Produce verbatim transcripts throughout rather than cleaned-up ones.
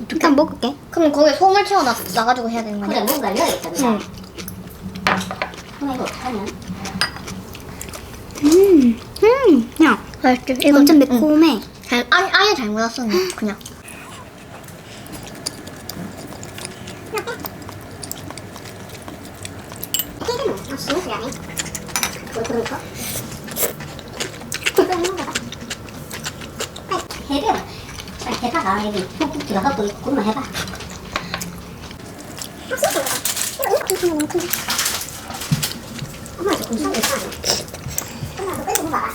일단 먹을게. 그럼 거기에 소물 채워 놔, 놔가지고 해야 되는 거 그래 아니야? 뭔가 열어야겠다 그래. 응. 그럼 이거 어떡하냐? 음, 음, 야, 맛있지? 이거 완전 매콤해. 응. 잘, 아니, 아예 잘못 왔었네, 그냥. 아, 스무스 안해? 뭐 그런 거? 그거 있는 거다. 해봐. 빨리 해봐가 여기 푹푹 들어가고 있구만 해봐. 엄마 저 공수한 거 있어. 엄마 저 끓이고 봐봐.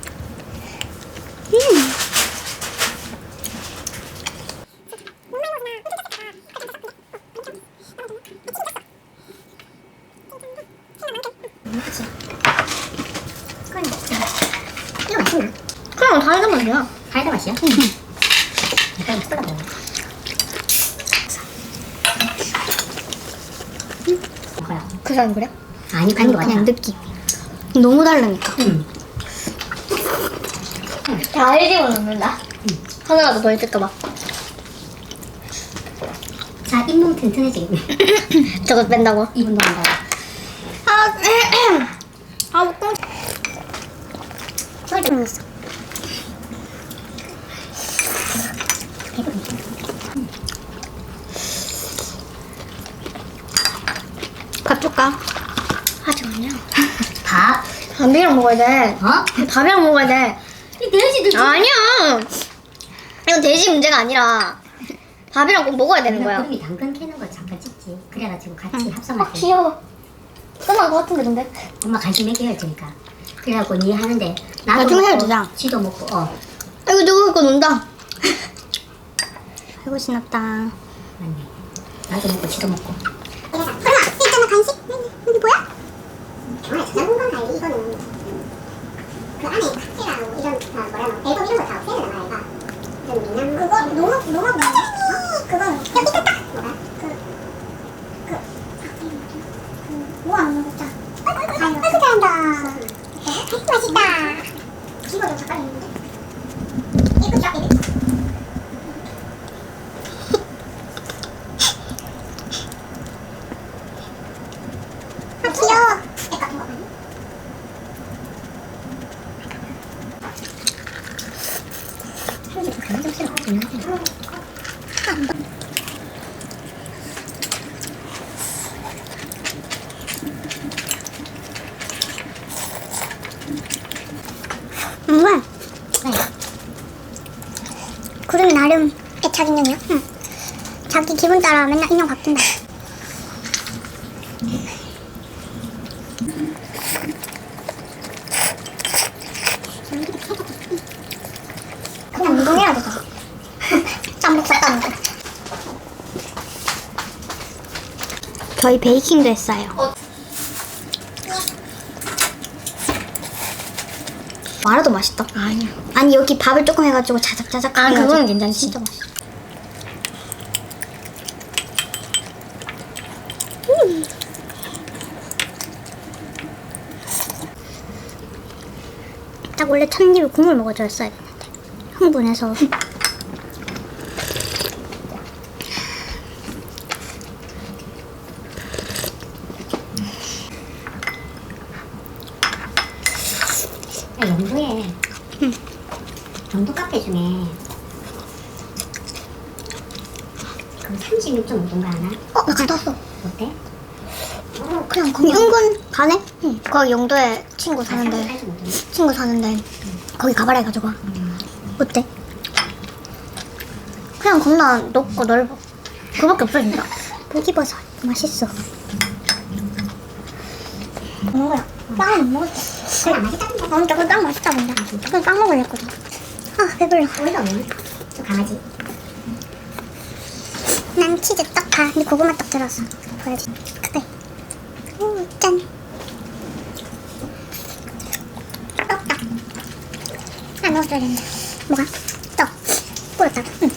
음. 그치? 그건 이거 맛있네. 그냥 다 익으면 돼요. 달걀 맛이야? 응. 약간 콜라 먹어. 뭐야? 그 사람 그래? 아니 아니, 그런 거 그냥 같아. 느낌. 너무 다르니까. 응. 다 일집어 넣는다. 하나라도 더 있을까봐. 자 잇몸 튼튼해지겠네. 저거 뺀다고? 이 분도 한다고. 아, 아, 먹고. 소리 들었어. 밥 줄까? 하지 마냐. 밥? 밥이랑 먹어야 돼. 어? 밥이랑 먹어야 돼. 이 돼지도 아니야. 이건 돼지 문제가 아니라 밥이랑 꼭 먹어야 되는 거야. 구름이 당근 캐는 거 잠깐 찍지. 그래가지고 같이 아, 합성할 때 귀여워. 끝난 거 같은데, 근데? 엄마 간식 몇 개 해주니까. 그래갖고 니 하는데 나도 나중에 해도 먹고 되잖아. 지도 먹고 어 아이고, 누구 이거 논다. 아이고, 신났다. 맞네. 나도 먹고 지도 먹고. 설마, 있잖아, 간식? 여기 뭐야? 정말 저장공간 관리 이거는 그 안에 박스랑 이런 다 뭐라 앨범 이런 거 다 없애야 되나 말이야. 좀 미남 그거 농업 농업 어? 그건 야 미쳤다. 뭐가? 그 우와, 너무 좋다. 아이고 아이고, 잘한다. 아이고 맛있다. 이거 좀 잠깐 있는데. 이거 쫙 이래. 아 귀여워. 약간 뭐 아니? 사람들이 감정 싫어. 그냥 뭐야? 네. 구름이 나름 애착 인형이야? 응. 자기 기분 따라 맨날 인형 바뀐다. 그냥 운동해야 되잖아. 짬뽕 쌌다는 거. 저희 베이킹도 했어요. 어. 말아도 맛있다. 아니야. 아니, 여기 밥을 조금 해가지고 자작자작 아, 해가지고. 그거는 괜찮지. 진짜 맛있어. 딱 원래 첫 입에 국물 먹어줬어야 되는데 흥분해서. 야, 영도에 응. 영도 카페 중에 그 삼십육 점 오 도인가 하나? 어, 나 갔다 왔어. 어때? 어, 그냥 그럼 거기 은근 가네? 응. 거기 영도에 친구 사는데, 팔 점 오 도. 친구 사는데, 거기 가봐라 해가지고. 어때? 그냥 겁나 높고 넓어. 그거밖에 없어, 진짜. 포기버섯 맛있어. 먹는 거야. 빵은 못 먹었어. 그래 맛있다던데. 아, 근데 그거 딱 맛있다, 근데. 그냥 빵 먹으려 했거든. 아, 배불러. 오이가 없네. 저 강아지. 난 치즈 딱 봐. 근데 고구마 딱 들어서 보여지. 그래. 오, 짠. 떡. 아, 넣어줘야 된다. 뭐가? 떡. 뿌렸다가. 응.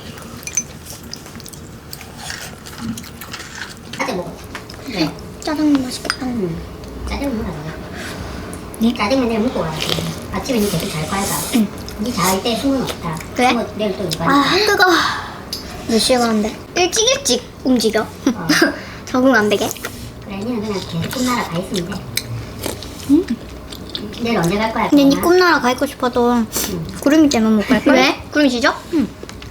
짜장 먹어. 네. 짜장면 맛있겠다. 응. 짜장 먹으라 그래. 네? 짜장면 내일 먹고 가야지. 아침에 니 계속 잘 거야. 응. 니 잘 때 숨은 없다. 그래? 숨은 내일 또 이거 아, 하니까. 뜨거워. 몇 시에 가는데? 일찍 일찍 움직여. 어. 적응 안 되게. 그래, 니는 그냥 계속 꿈나라 가 있으면 돼. 응? 내일 언제 갈 거야? 근데 니 그러면? 꿈나라 가 있고 싶어도 구름이 때문에 못 갈걸? 왜? 구름이 지져? 응.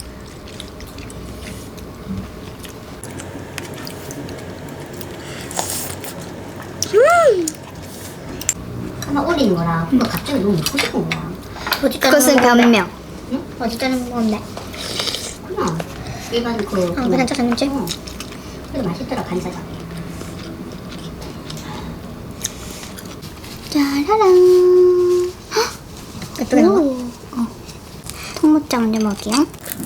하나 올린 거라. 근데 갑자기 너무 먹고 싶은 거야. 어디 그것은 변명. 어디 짜는 건데? 그냥 일반 그. 아, 그냥 짜장면집? 어. 그래도 맛있더라, 간짜장. 짜라란. 예쁘게 나와? 어. 통모짜 먼저 먹을게요.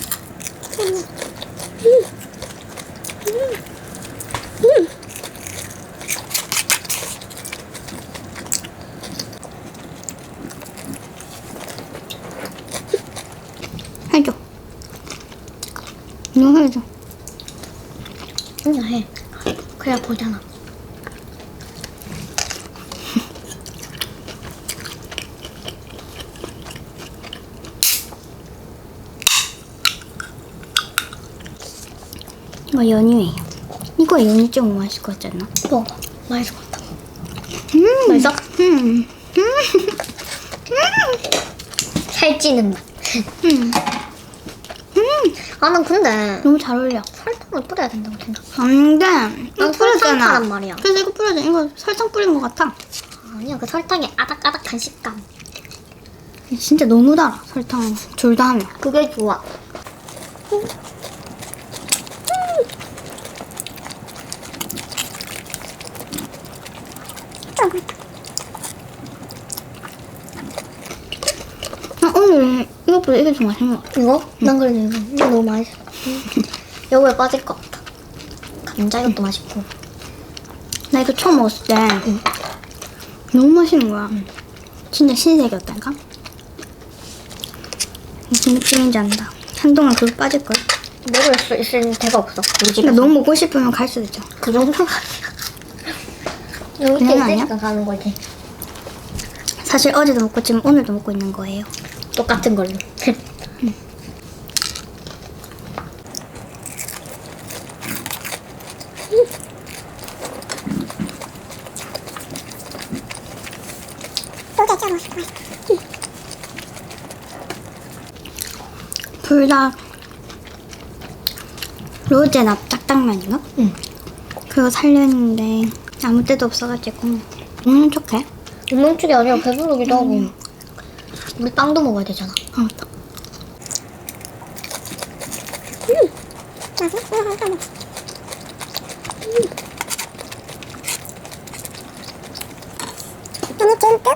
해줘. 이거 해줘. 혼자 해. 그래야 보잖아. 이거 연유예요. 이거 연유 좀 맛있을 것 같지 않나? 먹어봐. 맛있을 것 같아. 음. 맛있어? 음. 살찌는 맛. 음. 아, 난 근데 너무 잘 어울려. 설탕을 뿌려야 된다고 생각. 안 돼. 이거 난 설탕 뿌렸잖아. 파란 말이야. 그래서 이거 뿌려줘. 이거 설탕 뿌린 것 같아. 아니야, 그 설탕의 아닥아닥한 식감. 진짜 너무 달아. 설탕 둘 다 하면. 그게 좋아. 아, 오늘 이것보다 이게 좀 맛있는 것 같아. 이거? 난 그래도 이거, 이거 너무 맛있어. 여기에 빠질 것 같아. 감자 이것도 맛있고. 나 이거 처음 먹었을 때 너무 맛있는 거야. 진짜 신세계였다니까? 무슨 느낌인지 안다. 한동안 그거 빠질걸? 먹을 수 있을 데가 없어. 우리 집에. 그러니까 너무 먹고 싶으면 갈 수도 있죠. 그 정도가 아니야. 여기 그냥 아니야? 있으니까 가는 거지. 사실 어제도 먹고 지금 오늘도 먹고 있는 거예요. 똑같은 걸로. 또 대짜 맛있어. 둘 다 로제 납작당면인가? 응. 그거 살려했는데 아무 때도 없어가지고 음 좋게. 운동쪽이 아니라 배부르기도 하고. 우리 빵도 먹어야 되잖아. 아 맞다. 너무 쫀득?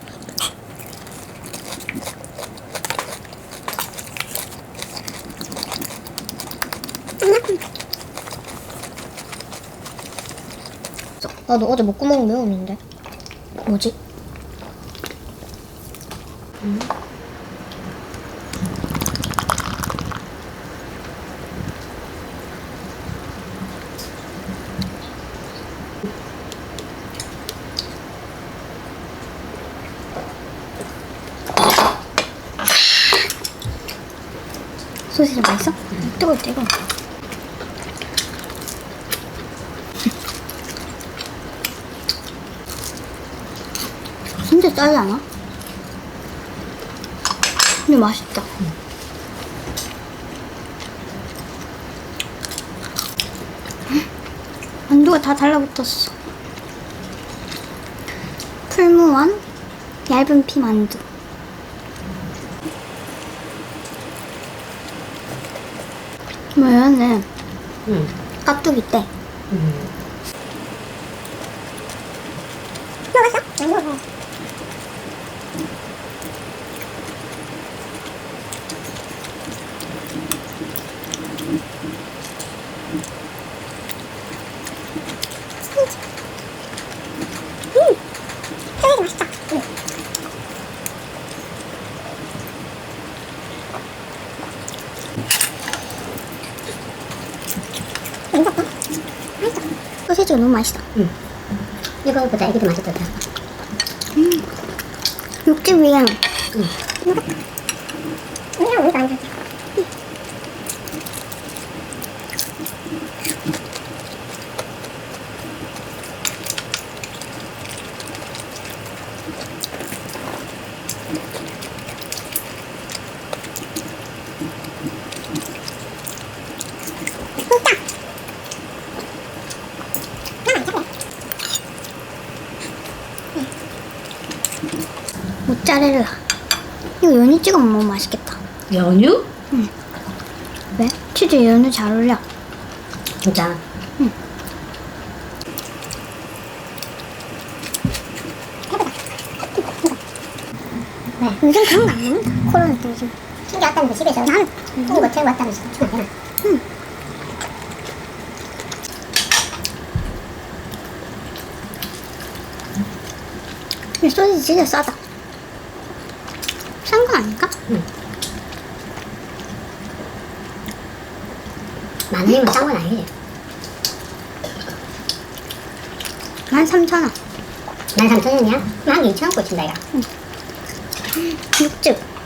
나도 어제 목구멍 매웠는데. 뭐지? 소시지 맛있어? 뜨거워, 뜨거워. 진짜 짜지 않아? 근데 맛있다. 만두가 다 달라붙었어. 풀무원 얇은 피 만두. 뭐야네. 응. 깍두기 때. 응. 먹었어? 안 먹어. 음, 쫄깃 맛있다. 응. 맛있다. 맛있다. 소시지가 너무 맛있어. 응. 이거보다 이게 더 맛있다. 육즙 위에 이랑 우리가 안 좋지. 모짜렐라. 이거 연유 찍어 먹으면 맛있겠다. 연유? 왜? 치즈 연유 잘 어울려. 진짜. 요즘 그런 거 안 먹는다. 코로나 때 요즘. 챙겨 왔다면서 집에서 나는 이거 뭐 들고 왔다면서 주면 안 되나? 이 소시지 진짜 싸다. 싼 거 아닐까? 만 원이면 싼 건 아니지. 만 삼천 원. 만 삼천 원이야? 만 이천 원 꽂힌다, 야. 육즙.